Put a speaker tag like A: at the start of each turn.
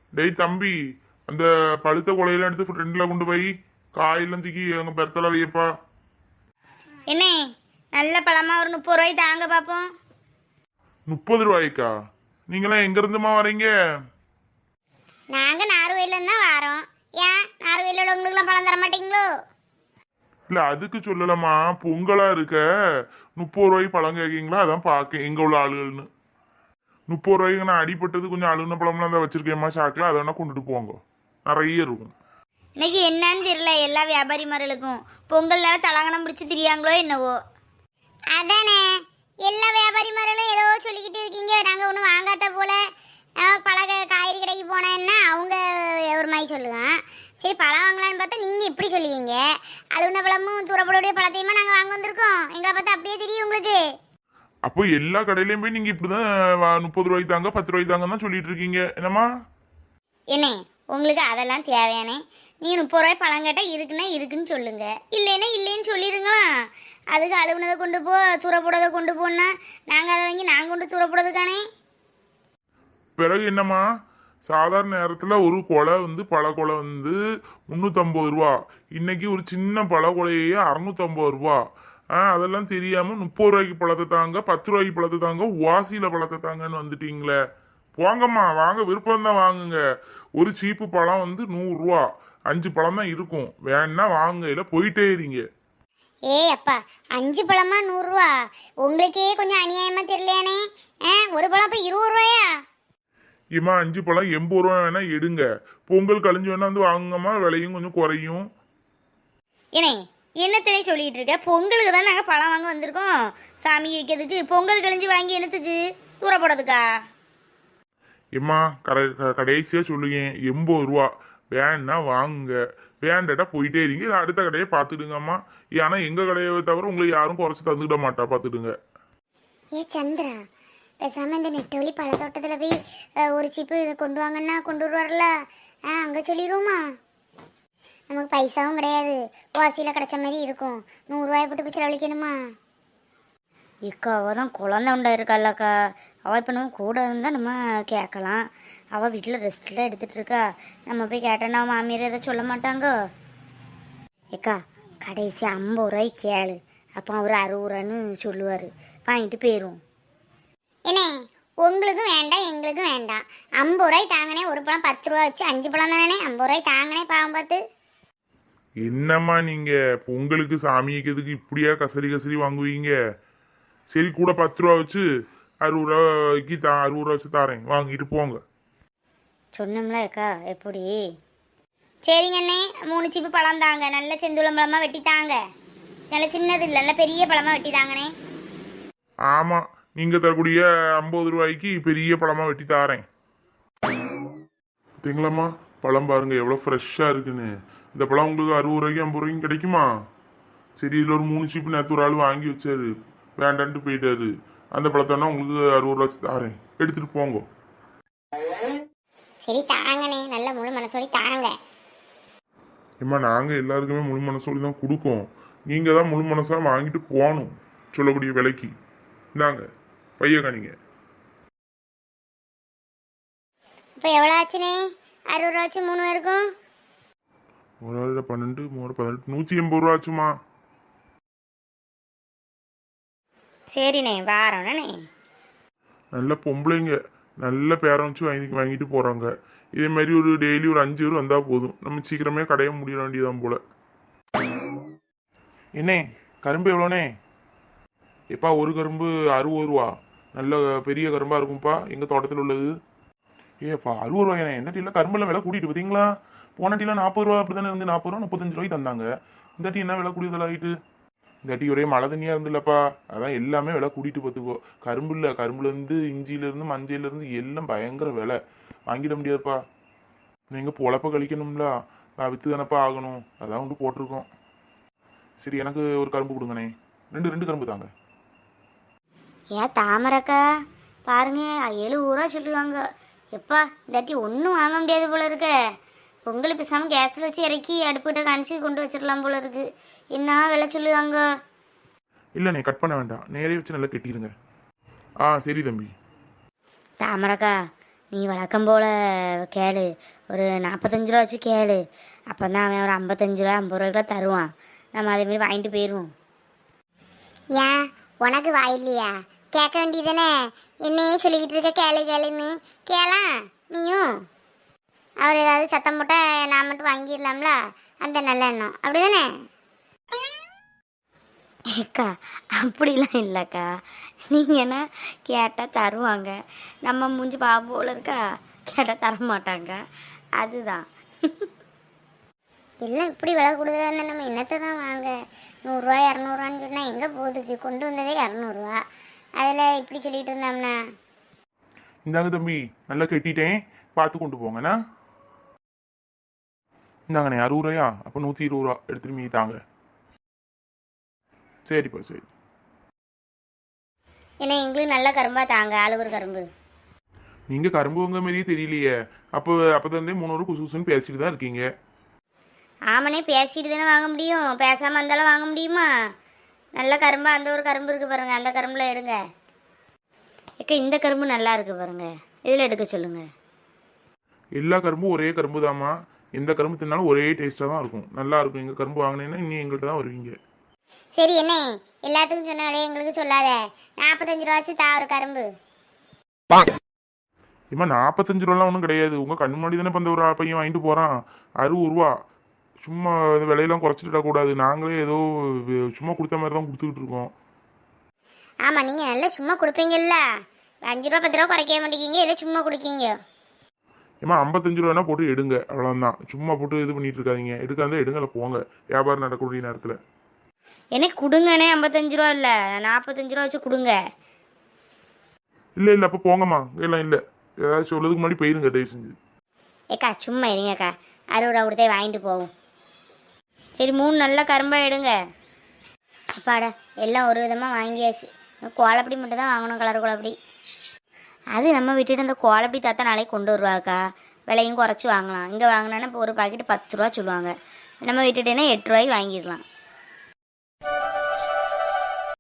A: டேய் தம்பி, அந்த பழுத்த கொலையெல்லாம் எடுத்து ஃப்ரெண்ட்ல கொண்டு போய் காயெல்லாம் தூக்கி எங்க பெருத்தல வையப்பா.
B: என்ன நல்ல பழமா ஒரு 30 ரூபாய் தாங்க பார்ப்போம்.
A: 30 ரூபாய்க்கா? நீங்களாம் எங்க இருந்துமா வரீங்க?
B: நாங்கள் நார்வேலேருந்து தான் வரோம். ஏன் நார்வேல உள்ளவங்களுக்குலாம் பழம் தர மாட்டீங்களோ?
A: இல்ல அதுக்கு சொல்லலாமா, பொங்கலா இருக்க 30 ரூபாய்க்கு பழம் கேட்கீங்களா? அதான் பார்க்க எங்க உள்ள ஆளுகள்னு. 30 ரூபாய்க்கு நான் அடிபட்டது கொஞ்சம் அழுகுன பழம்லாம் தான் வச்சிருக்கேம்மா சாக்கில், அதை வேணா கொண்டுட்டு போங்க, நிறைய இருக்கும்.
B: இன்னைக்கு என்னன்னு தெரியல எல்லா வியாபாரிமார்களுக்கும் பொங்கல்னால தலங்கணம் பிடிச்சி திரியாங்களோ என்னவோ. அதானே எல்லா வியாபாரிமார்களும் ஏதோ சொல்லிக்கிட்டு இருக்கீங்க. நாங்கள் ஒன்றும் வாங்காத போல. பழ காய்கறி கடைக்கு போனேன்னா அவங்க ஒரு மாதிரி சொல்லுவேன். சரி பழம் வாங்கலான்னு பார்த்தா நீங்கள் இப்படி சொல்லுவீங்க. அழுகுன பழமும் தூரப்படக்கூடிய பழத்தையுமா நாங்கள் வாங்க வந்திருக்கோம். எங்களை பார்த்தா அப்படியே தெரியும் உங்களுக்கு.
A: அப்போ எல்லா கடையிலயும் போய் நீங்க இப்படிதான் 30 ரூபாய்க்கு தாங்க 10 ரூபாய்க்கு தாங்க தான் சொல்லிட்டு இருக்கீங்க என்னம்மா?
B: என்ன உங்களுக்கு அதெல்லாம் தேவையானே? நீங்கள் 30 ரூபாய் பழம் கேட்டால் இருக்குன்னா இருக்குன்னு சொல்லுங்க, இல்லைன்னா இல்லைன்னு சொல்லிடுங்களா. அதுக்கு அழுகுனதை கொண்டு போ தூரப்போடதை கொண்டு போனா நாங்கள் அதை வாங்கி நாங்கள் கொண்டு தூரப்போடுறதுக்கானே.
A: பிறகு என்னம்மா, சாதாரண நேரத்துல ஒரு கொலை வந்து பழ கொலை வந்து 350 ரூபா, இன்னைக்கு ஒரு சின்ன பழ கொலையே 650 ரூபா. அதெல்லாம் தெரியாம 30 ரூபாய்க்கு பழத்தை தாங்க 10 ரூபாய்க்கு பழத்தை தாங்க வாசியில பழத்தை தாங்கன்னு வந்துட்டீங்களே. போங்கம்மா, வாங்க, விருப்பம் தான் வாங்குங்க. ஒரு சீப்பு பழம் வந்து 100 ரூபா, 5 பழம் தான் இருக்கும், வேணா வாங்க, இல்ல போயிட்டே இருங்க.
B: ஏய் அப்பா, 5 பழமா 100 ரூபா? உங்களுக்கே கொஞ்சம் அநியாயமா தெரியலையானே. ஒரு பழம் இப்போ 20 ரூபாயா?
A: இம்மா 5 பழம் 80 ரூபா வேணா எடுங்க, பொங்கல் கழிஞ்சு வேணா வந்து வாங்குங்கம்மா, விலையும் கொஞ்சம் குறையும்.
B: ஏனே என்னத்திலே சொல்லிட்டு இருக்க? பொங்கலுக்கு தான் நாங்கள் பழம் வாங்க வந்திருக்கோம், சாமி வைக்கிறதுக்கு. பொங்கல் கழிஞ்சு வாங்கி என்னத்துக்கு தூர போடுறதுக்கா?
A: இம்மா கடைசியா சொல்லுங்க, 80 ரூபா, வேணா வாங்குங்க, வேண்டாட்டா போயிட்டே இருங்க, இல்ல அடுத்த கடையை பார்த்துடுங்கம்மா. ஏன்னா எங்க கடையை தவிர உங்களுக்கு யாரும் குறைச்சு தந்துக்கிட மாட்டா, பார்த்துடுங்க.
B: ஏ சந்திரா, பேசாம இந்த நெட்டவழி பழத்தோட்டத்தில் போய் ஒரு சீப்பு கொண்டு வாங்கன்னா கொண்டு வருவார்ல, அங்கே சொல்லிடுவோமா? நமக்கு பைசாவும் கிடையாது, வாசியில் கிடைச்ச மாதிரி இருக்கும். 100 ரூபாய் போட்டு போய் செலவழிக்கணுமா? இக்கா அவள் தான் குழந்தை உண்டா இருக்கால்லக்கா. அவள் இப்போ நம்ம கூட இருந்தால் நம்ம கேட்கலாம். அவள் வீட்டில் ரெஸ்ட்டில் எடுத்துகிட்டு இருக்கா. நம்ம போய் கேட்டோன்னா அவன் மாமியார் எதை சொல்ல மாட்டாங்க. ஏக்கா கடைசி 50 ரூபாய்க்கு கேளு, அப்போ அவர் 60 ரூபான்னு சொல்லுவார், வாங்கிட்டு போயிடும். என்ன உங்களுக்கும் வேண்டாம் எங்களுக்கும் வேண்டாம். 50 ரூபாய் தாங்கனே, ஒரு பழம் 10 ரூபா வச்சு 5 பழம் தானே. 50 ரூபாய் தாங்கனே, பாவம் பார்த்து.
A: என்னம்மா நீங்க பொங்கலுக்கு சாமி வைக்கிறதுக்கு இப்படியா கசரி கசரி வாங்குவீங்க? சரி கூட 10 ரூபா வச்சு 60 ரூபாய்க்கு 60 ரூபா வச்சு தாரேன், வாங்கிட்டு போங்க.
B: சொன்னோம்ல அக்கா எப்படி? சரிங்க அண்ணே, 3 சீப்பு பழம் தாங்க, நல்ல செந்துளம் பழமாக வெட்டி தாங்க. நல்ல சின்னது இல்லை, நல்ல பெரிய பழமாக வெட்டி தாங்கண்ணே.
A: ஆமா, நீங்க தரக்கூடிய 50 ரூபாய்க்கு பெரிய பழமா வெட்டி தாரேன். பார்த்தீங்களாம்மா, பழம் பாருங்க எவ்வளோ ஃப்ரெஷ்ஷாக இருக்குன்னு. இந்த பழம் உங்களுக்கு 60 ரூபாய்க்கு 50 ரூபாய்க்கு கிடைக்குமா? சரி, இதில் ஒரு 3 சீப்பு நேற்று ஒரு ஆள் வாங்கி வச்சாரு, வேண்டான்ட்டு போயிட்டாரு. அந்த பழத்தானா உங்களுக்கு 60 ரூபா வச்சு தாரேன், எடுத்துட்டு போங்க.
B: சரி தாங்கண்ணே, நல்ல முழு மனசோடி தாங்க.
A: ஏம்மா, நாங்கள் எல்லாருக்குமே முழு மனசோடி தான் கொடுக்கோம், நீங்கள் தான் முழு மனசாக வாங்கிட்டு போகணும் சொல்லக்கூடிய விலைக்கு. இந்தாங்க பைய காணிங்க.
B: இப்போ எவ்வளோ ஆச்சுண்ணே? 60 ரூபா ஆச்சு 3 பேருக்கும்.
A: ஒரு 12 3 18 180 ரூபா ஆச்சுமா.
B: சரிண்ணே, வாரோண்ணே.
A: நல்ல பொம்பளைங்க, நல்ல பேரம் வச்சு வாங்கிட்டு போகிறாங்க. இதே மாதிரி ஒரு டெய்லி ஒரு 5 பேர் வந்தால் போதும், நம்ம சீக்கிரமே கடையை முடிய வேண்டியதான் போல. என்ன கரும்பு எவ்வளோண்ணே? எப்பா ஒரு கரும்பு 60 ரூபா, நல்ல பெரிய கரும்பாக இருக்கும்ப்பா, எங்கள் தோட்டத்தில் உள்ளது. ஏப்பா 60 ரூபாய்ண்ணே? இந்த டீலாம் கரும்பெல்லாம் விலை கூட்டிட்டு பார்த்தீங்களா? போன டீலாம் 40 ரூபா அப்படி தானே இருந்து, 40 ரூபா 35 ரூபாய்க்கு தந்தாங்க. இந்த டீ என்ன விலை கூடியதில் ஆகிட்டு? இந்த டீ ஒரே மழை தண்ணியாக இருந்துல்லப்பா, அதான் எல்லாமே விலை கூட்டிட்டு பார்த்துக்கோ. கரும்பு இல்லை, கரும்புலேருந்து இஞ்சியிலேருந்து மஞ்சள்லேருந்து எல்லாம் பயங்கர விலை, வாங்கிட முடியாதுப்பா. நீங்கள் பொழப்ப கழிக்கணும்ல, விற்று தானப்பா ஆகணும், அதான் வந்து போட்டிருக்கோம். சரி, எனக்கு ஒரு கரும்பு கொடுங்கண்ணே, ரெண்டு கரும்பு தாங்க.
B: ஏன் தாமரக்கா பாருங்க 70 ரூபா சொல்லுவாங்க. எப்பா இந்தாட்டி ஒன்றும் வாங்க முடியாது போல இருக்க. பொங்கல் பேசாமல் கேஸில் வச்சு இறக்கி அடுப்புகிட்ட காணிச்சு கொண்டு வச்சிடலாம் போல இருக்கு. என்ன விலை சொல்லுவாங்க?
A: இல்லைண்ணே, கட் பண்ண வேண்டாம், நேரே வச்சு நல்லா கெட்டிடுங்க. சரி தம்பி.
B: தாமரக்கா
C: நீ வழக்கம் போல் கேளு, ஒரு 45 ரூபா வச்சு கேளு. அப்போ தான் அவன் ஒரு 55 ரூபா 50 ரூபாய்க்குள்ள தருவான். நம்ம அதேமாரி வாங்கிட்டு போயிடுவோம்.
B: ஏன் உனக்கு வாய் இல்லையா? கேட்க வேண்டியதானே? என்னையே சொல்லிக்கிட்டு இருக்க கேளு கேளுன்னு. கேளாம் நீயும். அவர் ஏதாவது சத்தம் போட்டால் நான் மட்டும் வாங்கிடலாம்ல, அந்த நல்ல எண்ணம் அப்படிதானே?
C: ஏக்கா அப்படிலாம் இல்லைக்கா. நீங்கள் என்ன கேட்டால் தருவாங்க. நம்ம மூஞ்சி பாவம் போல் இருக்கா, கேட்டால் தர மாட்டாங்க. அதுதான்.
B: எல்லாம் இப்படி விலை கூடுதலாக இருந்தால் நம்ம என்னத்தை தான் வாங்க? 100 ரூபா 200 ரூபான்னு சொன்னால் எங்கே போகுதுக்கு? கொண்டு வந்ததே 200 ரூபா. அதில் இப்படி சொல்லிட்டு இருந்தோம்னா
A: இந்தாங்க தம்பி, நல்லா கட்டிட்டேன், பார்த்து கொண்டு போங்கண்ணா. இந்தாங்கண்ணே 60 ரூபாயா? அப்போ 120 ரூபா எடுத்துட்டு மீதி தாங்க. சரிப்பா சரி.
C: ஏன்னா எங்களுக்கு நல்ல கரும்பா தாங்க, ஆளு ஒரு கரும்பு.
A: நீங்கள் கரும்பு உங்க மாதிரியே தெரியலையே. அப்போ தந்தே 300 குசு குசுன்னு பேசிட்டு தான் இருக்கீங்க.
C: ஆமனே பேசிட்டு தானே வாங்க முடியும், பேசாமல் இருந்தாலும் வாங்க முடியுமா? நல்ல கரும்பா அந்த ஒரு கரும்பு இருக்குது பாருங்க, அந்த கரும்பில் எடுங்க. ஏக்கா இந்த கரும்பு நல்லா இருக்கு பாருங்க, இதில் எடுக்க சொல்லுங்க.
A: எல்லா கரும்பும் ஒரே கரும்பு தாம்மா. எந்த கரும்பு தின்னாலும் ஒரே டேஸ்ட்டாக தான் இருக்கும், நல்லா இருக்கும். எங்கள் கரும்பு வாங்கினீங்கன்னா இன்னும் எங்கள்கிட்ட தான் வருவீங்க.
B: சரி என்ன எல்லாத்துக்கும் சொன்ன விலையை எங்களுக்கு சொல்லாத. 45 ரூபா வச்சு தா ஒரு கரும்பு.
A: இம்மா 45 ரூபாலாம் ஒன்றும் கிடையாது. உங்கள் கண் முன்னாடி தானே இப்போ அந்த ஒரு பையன் வாங்கிட்டு போகிறான். 60 ரூபா. சும்மா இந்த விலையெல்லாம் குறைச்சிட்டு கூடாது. நாங்களே ஏதோ சும்மா கொடுத்த மாதிரி தான் கொடுத்துக்கிட்டு இருக்கோம்.
B: ஆமாம் நீங்கள் நல்லா சும்மா கொடுப்பீங்கல்ல. 5 ரூபா 10 ரூபா குறைக்க மாட்டேங்கிங்க, இல்லை சும்மா கொடுக்கீங்க.
A: ஏம்மா 55 ரூபானா போட்டு எடுங்க, அவ்வளோதான். சும்மா போட்டு இது பண்ணிட்டு இருக்காதீங்க. எடுக்காத எடுங்கல போங்க, வியாபாரம் நடக்கக்கூடிய நேரத்தில்.
C: எனக்கு கொடுங்கண்ணே, 55 ரூபா இல்லை 45 ரூபா வச்சு கொடுங்க.
A: இல்லை இல்லை அப்போ போங்கம்மா. எல்லாம் இல்லை, ஏதாச்சும் சொல்லதுக்கு முன்னாடி போயிருங்க தயவு செஞ்சு.
C: ஏக்கா சும்மா இருங்கக்கா, 60 ரூபா கொடுத்தே வாங்கிட்டு போவோம். சரி 3 நல்ல கரும்பா எடுங்க. அப்பாடா எல்லாம் ஒரு விதமாக வாங்கியாச்சு. கோலப்படி மட்டும் தான் வாங்கணும், கலர் கோலப்படி. அது நம்ம விட்டுட்டு அந்த கோலப்படி தாத்தா நாளைக்கு கொண்டு வருவாக்கா, விலையும் குறைச்சி வாங்கலாம். இங்கே வாங்கினோன்னா இப்போ ஒரு பாக்கெட்டு 10 ரூபா சொல்லுவாங்க, நம்ம விட்டுட்டேன்னா 8 ரூபாய்க்கு வாங்கிடலாம்.